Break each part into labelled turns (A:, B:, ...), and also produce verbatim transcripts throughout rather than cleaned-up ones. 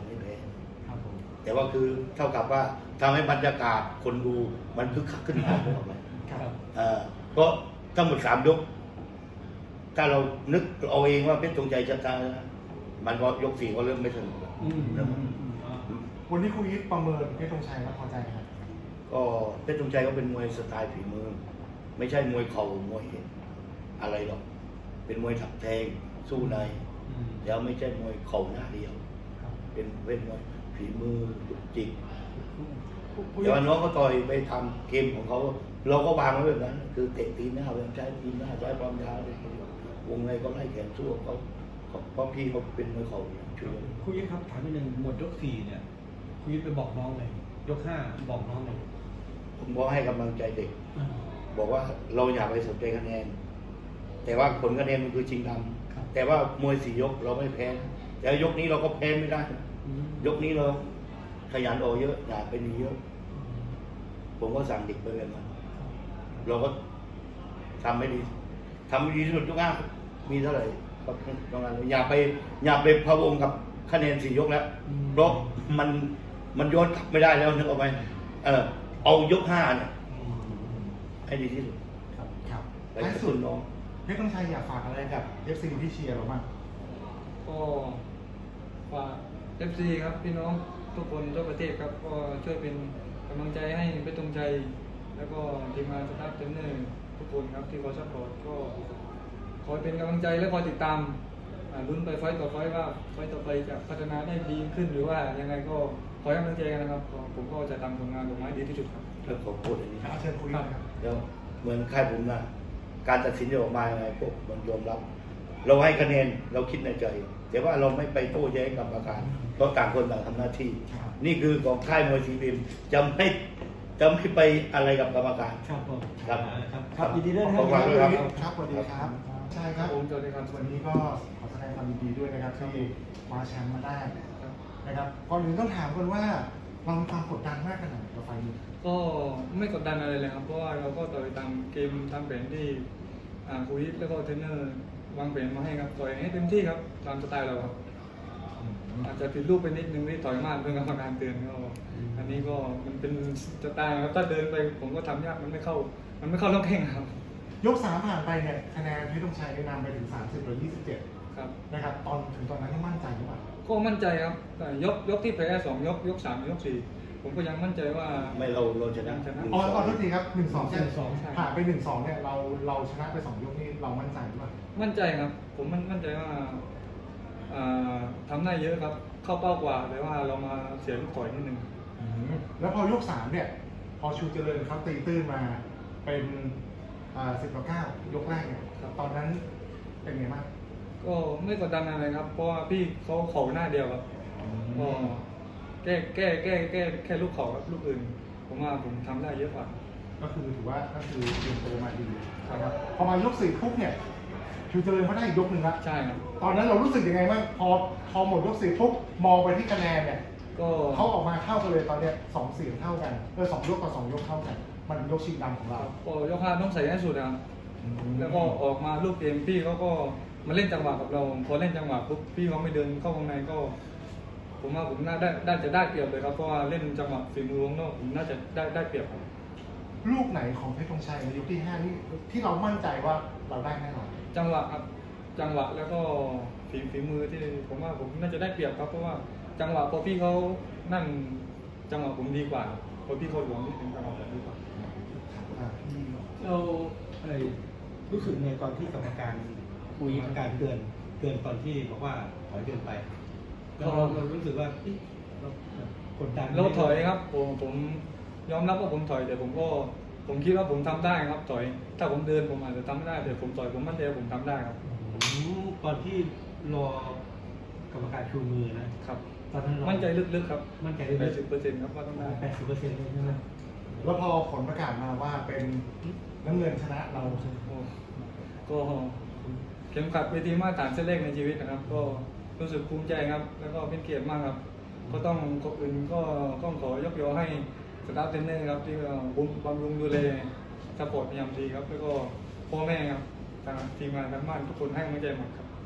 A: ไม่แพ้
B: ครับผม
A: แต่ว่าคือเท่ากับว่าทำให้บรรยากาศคนดูมันคึกคักขึ้นมาถูกไหม
B: ครับ
A: เพราะทั้งหมดสามยกถ้าเรานึกเอาเองว่าเพชรธงชัยชนะมันก็ยกสี่ก็เริ่มไม่สนุกแล้ว
B: วันนี้ครูยิปประเมินเพชรธงชัยว่าพอใจครับ
A: ก็เพชรธงชัยก็เป็นมวยสไตล์ฝีมือไม่ใช่มวยเข่ามวยอะไรหรอกเป็นมวยถักแทงสู้ในแล้วไม่ใช่มวยเข่าหน้าเดียวเป็นเป็นมวยฝีมือจุกจิกแต่ว่าน้องก็ต่อยไปทำเกมของเขาเราก็วางไว้แบบนั้นคือเตะตีหน้าพยายามใช้ตีหน้าใช้ความยาวเลยวงในก็ไล่แขนสู้เขาเพราะพี่เขาเป็นมวยเข่าช่วย
C: คุณยิปครับถามนิดนึงหมดยกสี่เนี่ยคุณยิปไปบอกน้องเลยยกห้าบอกน้องเลย
A: ผมบอกให้กำลังใจเด็กบอกว่าเราอยากไปสนใจคะแนนแต่ว่าผลคะแนนมันคือชิงดำแต่ว่ามวยสี่ยกเราไม่แพ้แต่ยกนี้เราก็แพ้ไม่ได้ยกนี้เราขยันออกเยอะอยากไปหนีเยอะผมก็สั่งเด็กไปแบบนั้นเราก็ทำไม่ดีทำไม่ดีที่สุดยกห้ามีเท่าไหร่ก็ตรงนั้นอย่าไปอย่าไปพะวงกับคะแนนสี่ยกแล้วเพราะมันมันย้อนกลับไม่ได้แล้วนึกออกไหมเออเอายกห้าเนี่ยให้ดีที่สุด
B: ครับครับ
A: ไปสุดน้อง
B: เพชรธงชัยอยากฝากอะไรกับเอฟซีที่เชียร์เราบ้าง
D: ก็ฝากเอฟซีครับพี่น้องทุกคนทั่วประเทศครับก็ช่วยเป็นกำลังใจให้เพชรธงชัยแล้วก็ทีมงานสตาฟเทรนเนอร์ทุกคนครับที่คอยซัพพอร์ตก็คอยเป็นกำลังใจและคอยติดตามลุ้นไปไฟต์ต่อไฟต์ว่าไฟต์ต่อไปจะพัฒนาได้ดีขึ้นหรือว่ายังไงก็คอยกำลังใจกันนะครับผมก็จะทำผลงานออกมาดีที่สุดครับ
A: แล้วผมพูดอย่างนี้
B: เชิญคุยครับ
A: แล้วเหมือนค่ายผมนะการตัดสินจะออกมายังไงพวกมันยอมรับเราให้คะแนนเราคิดในใจแต่ว่าเราไม่ไปโต้แย้งกับประการเพราะต่างคนต่างทำหน้าที่นี่คือของค่ายมวยทีบีมจะไม่จะไม่ไปอะไรกับกรรมการ
C: ครับผม
A: ครับ
C: ครับยินดีด้วย
B: ครับ
C: ครับ
B: สวัสดีครับใช่ครับ
D: ผมสวัสดีครับ
B: วันนี้ก็ขอแสดงความยินดีด้วยนะครับที่คว้าแชมป์มาได้นะครับก่อนอื่นต้องถามกันว่าเรามีความกดดันมากขนาดไหนกับไฟล์นี้
D: ก็ไม่กดดันอะไรเลยครับเพราะว่าเราก็ต่อยตามเกมตามแผนที่ครูยิปแล้วก็เทรนเนอร์วางแผนมาให้ครับต่อยให้เต็มที่ครับตามสไตล์เราครับอาจจะผิดรูปไปนิดนึงที่ต่อยมากเรื่องกรรมการเตือนก็อันนี้ก็มันเป็นสไตล์ครับถ้าเดินไปผมก็ทำยากมันไม่เข้ามันไม่เข้าล็อกแข้งครับ
B: ยกสามผ่านไปเนี่ยคะแนนเพชรธงชัยได้นำไปถึงสามสิบต่อยี่สิบเจ็ด
D: ครับ
B: นะครับตอนถึงตอนนั้นมั่นใจหรือเปล่า
D: ก็มั่นใจครับแต่ยกยกที่แพ้สองยกยกสามยกสี่ผมก็ยังมั่นใจว่า
A: ไม่เราเราชนะ
B: อ๋อขอโทษทีครับหนึ่งสองใช่ผ่านไปหนึ่งสองเนี่ยเราเราชนะไปสองยกนี่เรามั่นใจหรือเปล่า
D: มั่นใจครับผมมั่นมั่นใจว่าทำได้เยอะครับเข้าเป้ากว่าแต่ว่าเรามาเสียลูกต่อยนิดนึง
B: แล้วพอยกสามเนี่ยพอชูเจริญเขาตีตื้นมาเป็นสิบต่อเก้ายกแรกเนี่ยตอนนั้นเป็นไงบ้าง
D: ก็ไม่กดดันอะไรครับเพราะว่าพี่เขาเข่าหน้าเดียวครับก็แก้แก้แก้แก้แค่ลูกเข่าครับลูกอื่นผมว่าผมทำได้เยอะกว่า
B: ก็คือถือว่าก็คือเตรียมตัวมาดีครับพอมายกสี่ปุ๊บเนี่ยชูเจริญเขาได้ยกหนึ่งละ
D: ใช่ครับ
B: ตอนนั้นเรารู้สึกยังไงบ้างพอพอหมดยกสี่ปุ๊บมองไปที่คะแนนเนี่ย
D: ก็
B: เขาออกมาเท่ากันเลยตอนเนี้ยสองเสียงเท่ากันเออสองยกต่อสองยกเท่ากันมันยกชิงดำของเรา
D: ก็ยกห้าต้องใส่ให้สุดนะครับแล้วก็ออกมาลูกเกมพี่เขาก็มาเล่นจังหวะกับเราพอเล่นจังหวะปุ๊บพี่เขาไม่เดินเข้าข้างในก็ผมว่าผมน่าได้ได้จะได้เปรียบเลยครับเพราะว่าเล่นจังหวะฝีมือวงนอกผมน่าจะได้ได้เปรียบครับ
B: ลูกไหนของเพชรธงชัยในยกที่ห้านี่ที่เรามั่นใจว่าเราได้แน่นอน
D: จังหวะครับจังหวะแล้วก็ฝีฝีมือที่ผมว่าผมน่าจะได้เปรียบครับเพราะว่าจังหวะพอพี่เขานั่นจังหวะผมดีกว่าพอพี่เขาหลวงนี่เป็นจังหวะผมดีกว่า
C: เรารู้สึกในตอนที่กรรมการคุยกรรมการเตือนเตือนตอนที่บอกว่าถอยเดินไปเราเรารู้สึกว่าเรากดดัน
D: เราถอยครับผมผมยอมรับว่าผมถอยแต่ผมก็ผมคิดว่าผมทำได้ครับถอยถ้าผมเดินผมอาจจะทำไม่ได้แต่ผมถอยผมมั่นใจผมทำได้ครับ
C: ตอนที่รอกรรมการชูมือนะครับตอนนั้น
D: มั่นใจลึกๆครับ
C: มั่นใจ
D: แปดสิบเปอร์เซ็นต์ครับว่าต้องได้
C: แปดสิบเปอร์เซ็นต์ใช่ไหม
B: แล้วพอผลประกาศมาว่าเป็นน้ำเงินชนะเรา
D: ก็เข็มขัดเวทีมาตรฐานเส้นเลขในชีวิตนะครับก็รู้สึกภูมิใจครับแล้วก็เป็นเกียรติมากครับก็ต้องขอบคุณก็ต้องขอยกยอให้สตาฟเทรนเนอร์ครับที่บำรุงดูแลซัพพอร์ตพยายามดีครับแล้วก็พ่อแม่ครับทางทีมงานทั้งบ้านทุกคนให้กำลังใจหมดครับ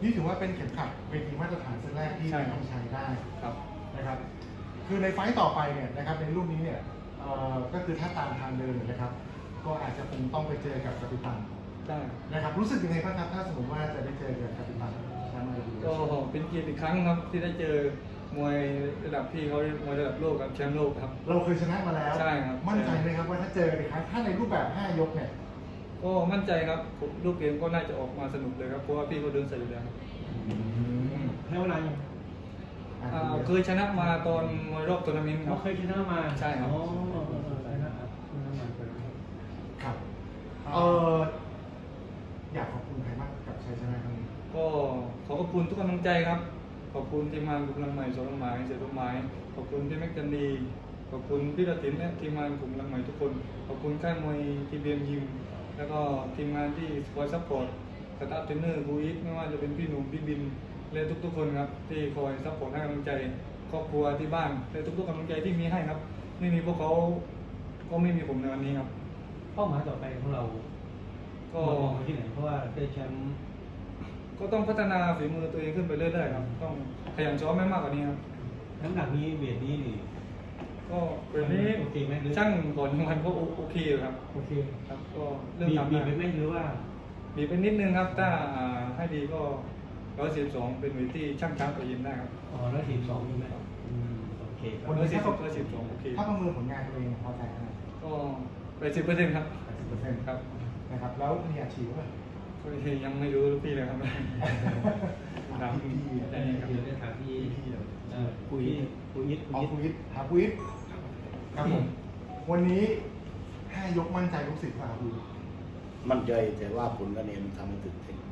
B: นี่ถือว่าเป็นเข็มขัดเวทีมาตรฐานเส้นแรกที่
D: ใช่
B: ไม่
D: ครั
B: ต้
D: บ
B: องใช้ได้
D: ครับ
B: นะครับ คือในไฟต์ต่อไปเนี่ยนะครับในรุ่นนี้เนี่ยเอ่อก็คือถ้าตามทางเดินนะครับ ก็อาจจะคงต้องไปเจอกับกัปตัน
D: ได้
B: นะครับ รู้สึกยังไงบ้างครับถ้าสมมติว่าจะได้เจอกับกัปตันแชมป์อาร์บี
D: ก็เป็นเกียรติอีกครั้งครับที่ได้เจอมวยระดับพี่เขามวยระดับโลกครับแชมป์โลกครับ
B: เราเคยชนะมาแล้ว
D: ใช่ครับ
B: มั่นใจไหมครับว่าถ้าเจอกันอีกครั้งถ้าในรูปแบบห้ายกเนี่ย
D: ก็มั่นใจครับผมลูกเกมก็น่าจะออกมาสนุกเลยครับเพราะว่าพี่เขาเดินใส่อยู่แล้วครับ
C: ให้เวลายัง
D: อ่าเคยชนะมาตอนมวยรอบทัวร์นาเมนต์ค
C: เรา
D: รับ
C: เคยชนะมา
D: ใช่ครับ
C: อ๋อชนะครับชนะมาเป็น
B: ครับเอออยากขอบคุณใครบ้างกับชัยชนะครั้งนี้
D: ก็ขอขอบคุณทุกกำลังใจครับ ขอบคุณทีมงานกลุ่มพลังใหม่สองต้นไม้เสียต้นไม้ขอบคุณพี่แม็กจันดีขอบคุณพี่ระตินและทีมงานกลุ่มพลังใหม่ทุกคน ขอบคุณค่ายมวยทีบีเอ็มยิมแล้วก็ทีมงานที่คอยซัพพอร์ตสตาฟเทรนเนอร์บูอิทไม่ว่าจะเป็นพี่หนุ่มพี่บินและทุกๆคนครับที่คอยซัพพอร์ตให้กำลังใจครอบครัวที่บ้านและทุกๆกำลังใจที่มีให้ครับไม่มีพวกเขาก็ไม่มีผมในวันนี้ครับ
C: เป้าหมายต่อไปของเรา
D: ก็
C: มองไปที่ไหนเพราะว่าได้แชมป์
D: ก็ต้องพัฒนาฝีมือตัวเองขึ้นไปเรื่อยๆครับต้องขยันซ้อมไม่มากกว่านี้ครับ
C: น้ำหนักนี้เวทนี้นี่
D: ก็แบบนี้
C: โอเคไหมหรือ
D: ช่างก่อนวันก็โอเคอยู่ครับ
C: โอเค
D: ครับก็เริ่ม
C: บีบ
D: ทำ
C: บีบไป
D: ได้
C: ไหมหรือว่า
D: บีบไปนิดนึงครับ ถ้าอ่าให้ดีก็ร้อยสิบสองเป็นเวทที่ช่างช้างตัวยินได้ครับ
C: อ๋อร้อยสี่สองใช่ไหมอืมโอเคครับ
D: ร้อยสี่สิบร้อยสิบสองโอเค
B: ถ้าประเมินผลงานตัวเองพอใจขนาด
D: ก็ไปสิบเปอร์เซ็นต์ครับ
B: แปดสิบเปอร์เซ็นต์
D: ครับ
B: นะครับ แล้วมีอาชีพไหม
D: ก็ยังไม่รู้ลูกพี่เลยครับ ครับ
B: พี่พี่
C: ได้ครับเดี๋ยวได้ถามพี่เอ่อปุ้ยปุ้ยยิด
B: เอา
C: ปุ้ยยิด
B: คุยหาคุยครับผมวันนี้ห้ายกมั่นใจลูกศิษย์ป่ะครับคุย
A: มั่นใจแต่ว่าผลคะแนนมันทำให้ตื่นเต้น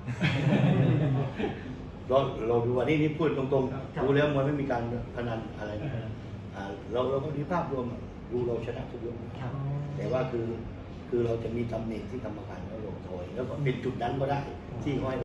A: เราเราดูวันนี้นี่พูดตรงๆดูแล้วมันไม่มีการพนันอะไรนะอ่าเราเราก็ดูภาพรวมอะดูเราชนะทุกยก
B: ครับ
A: แต่ว่าคือคือเราจะมีตำแหน่งที่กรรมการเขาลงทอย แล้วก็เป็นจุดนั้นก็ได้ที่เขาให้